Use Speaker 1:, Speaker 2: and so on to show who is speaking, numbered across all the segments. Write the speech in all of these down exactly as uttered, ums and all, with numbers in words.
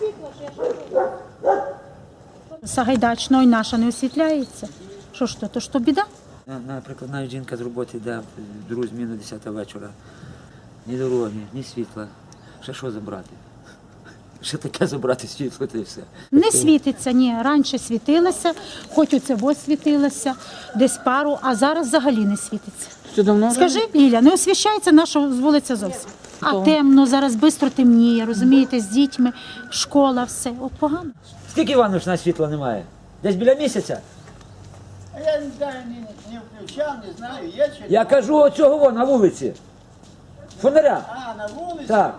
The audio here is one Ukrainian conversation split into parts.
Speaker 1: світло, що я ще Сагайдачного і наша не освітляється. Що ж то, то що біда?
Speaker 2: Наприклад, навіть жінка з роботи йде в другу зміну десята вечора. Ні дороги, ні світла. Ще що забрати? Ще таке забрати світло, та й все.
Speaker 1: Не світиться, ні. Раніше світилося, хоч оце ось світилося, десь пару, а зараз взагалі не світиться.
Speaker 3: Що давно?
Speaker 1: Скажи, Ліля, не освіщається наша вулиця зовсім. А темно, зараз швидко темніє, розумієте, з дітьми, школа, все. От погано.
Speaker 2: Скільки, Іванович, на світла немає? Десь біля місяця?
Speaker 4: А я не знаю, не, не включав, не знаю, є чи
Speaker 2: Я кажу оцього во, на вулиці. Фонаря.
Speaker 4: А, на вулиці?
Speaker 2: Так.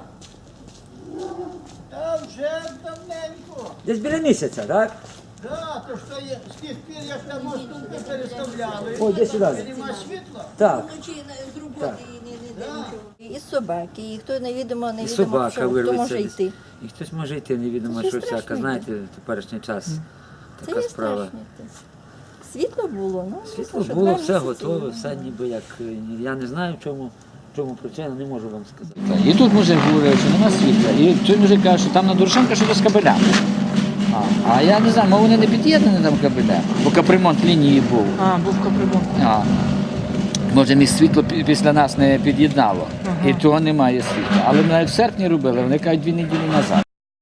Speaker 4: Та вже давненько.
Speaker 2: Десь біля місяця, так?
Speaker 4: Да, то що є, з тих пір, як там мостунки переставляли.
Speaker 2: Ой, де сюди.
Speaker 4: Нема світла.
Speaker 2: Так.
Speaker 5: Вночі з роботи і не, не, не нічого. І собаки, і хто невідомо,
Speaker 2: І
Speaker 5: невідомо
Speaker 2: собака
Speaker 5: що, хто
Speaker 2: вирветься.
Speaker 5: може
Speaker 2: десь.
Speaker 5: йти.
Speaker 2: І хтось може йти, невідомо,
Speaker 5: Це
Speaker 2: що
Speaker 5: страшно
Speaker 2: всяка.
Speaker 5: йти.
Speaker 2: Знаєте, в теперішній час
Speaker 5: Це
Speaker 2: така
Speaker 5: є
Speaker 2: справа.
Speaker 5: страшно. Світло було, ну,
Speaker 2: Світло
Speaker 5: що
Speaker 2: було,
Speaker 5: два
Speaker 2: все
Speaker 5: місяці.
Speaker 2: готове, все ніби як. е, Я не знаю, в чому, в чому причина, не можу вам сказати.
Speaker 3: І тут мужик говорив, що нема світла. І той мужик каже, що там на Дорошенка щось з кабелями. А, а я не знаю, може вони не під'єднані там кабеля, бо капремонт лінії був.
Speaker 6: А, був капремонт.
Speaker 3: А, може, між світло пі- після нас не під'єднало. І того немає світла. Але ми навіть в серпні робили, вони кажуть дві неділі назад.